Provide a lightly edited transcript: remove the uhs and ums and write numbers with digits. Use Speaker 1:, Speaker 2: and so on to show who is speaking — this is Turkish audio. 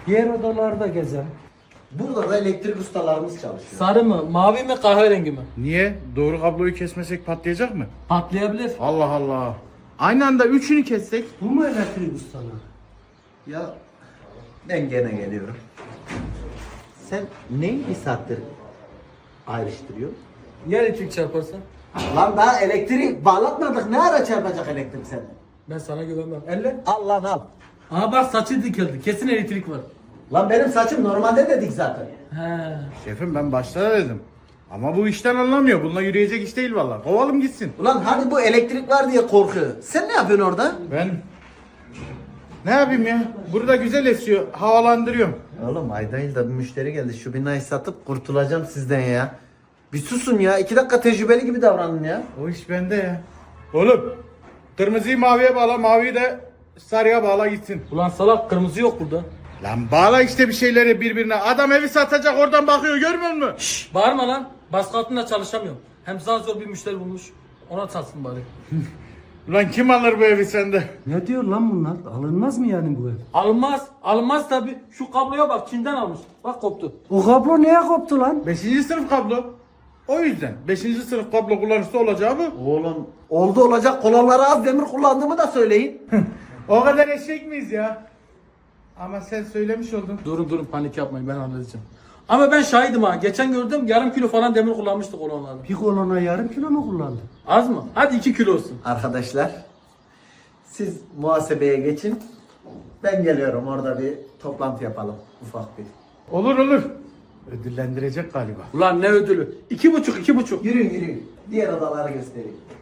Speaker 1: Diğer odalarda gezelim.
Speaker 2: Burada da elektrik ustalarımız çalışıyor.
Speaker 3: Sarı mı, mavi mi, kahverengi mi?
Speaker 4: Niye? Doğru kabloyu kesmesek patlayacak mı?
Speaker 3: Patlayabilir.
Speaker 4: Allah Allah. Aynı anda üçünü kessek.
Speaker 1: Bu mu elektrik ustalığı?
Speaker 2: Ya ben gene geliyorum. Sen neyi bir saattir ayrıştırıyorsun?
Speaker 3: Ya elektrik çarparsa?
Speaker 2: Lan daha elektriği bağlatmadık. Ne ara çarpacak elektrik sende?
Speaker 3: Ben sana güvenmem. Elle.
Speaker 2: Al lan al.
Speaker 3: Aa bak saçı dikildi. Kesin elektrik var.
Speaker 2: Lan benim saçım normalde dedik zaten.
Speaker 3: He.
Speaker 4: Şefim ben başta da dedim. Ama bu işten anlamıyor. Bununla yürüyecek iş değil vallahi. Kovalım gitsin.
Speaker 2: Ulan hadi bu elektrik var diye korkuyor. Sen ne yapıyorsun orada?
Speaker 4: Ben ne yapayım ya? Burada güzel esiyor. Havalandırıyorum.
Speaker 2: Oğlum ayda yılda bir müşteri geldi. Şu binayı satıp kurtulacağım sizden ya. Bir susun ya. 2 dakika tecrübeli gibi davranın ya.
Speaker 4: O iş bende ya. Oğlum kırmızıyı maviye bağla. Maviyi de sarıya bağla gitsin.
Speaker 3: Ulan salak kırmızı yok burada.
Speaker 4: Lan bağla işte bir şeyleri birbirine. Adam evi satacak oradan bakıyor görmüyor musun?
Speaker 3: Şşş bağırma lan. Baskı altında çalışamıyorum. Hem zar zor bir müşteri bulmuş. Ona satsın bari.
Speaker 4: Ulan kim alır bu evi sende?
Speaker 1: Ne diyor lan bunlar? Alınmaz mı yani bu ev?
Speaker 3: Alınmaz. Alınmaz tabi. Şu kabloya bak Çin'den almış. Bak koptu.
Speaker 1: O kablo neye koptu lan?
Speaker 4: 5. sınıf kablo. O yüzden 5. sınıf kablo kullanıcısı olacağı bu.
Speaker 2: Oğlum oldu olacak kolonlara az demir kullandığımı da söyleyin.
Speaker 4: O kadar eşek miyiz ya? Ama sen söylemiş oldun.
Speaker 3: Durun panik yapmayın ben halledeceğim. Ama ben şahidim ha. Geçen gördüm yarım kilo falan demir kullanmıştık olanlarda.
Speaker 1: Bir kolona yarım kilo mu kullandı?
Speaker 3: Az mı? Hadi 2 kilo olsun.
Speaker 2: Arkadaşlar siz muhasebeye geçin. Ben geliyorum orada bir toplantı yapalım ufak bir.
Speaker 4: Olur olur. Ödüllendirecek galiba.
Speaker 3: Ulan ne ödülü? 2,5.
Speaker 2: Yürüyün yürüyün. Diğer odaları göstereyim.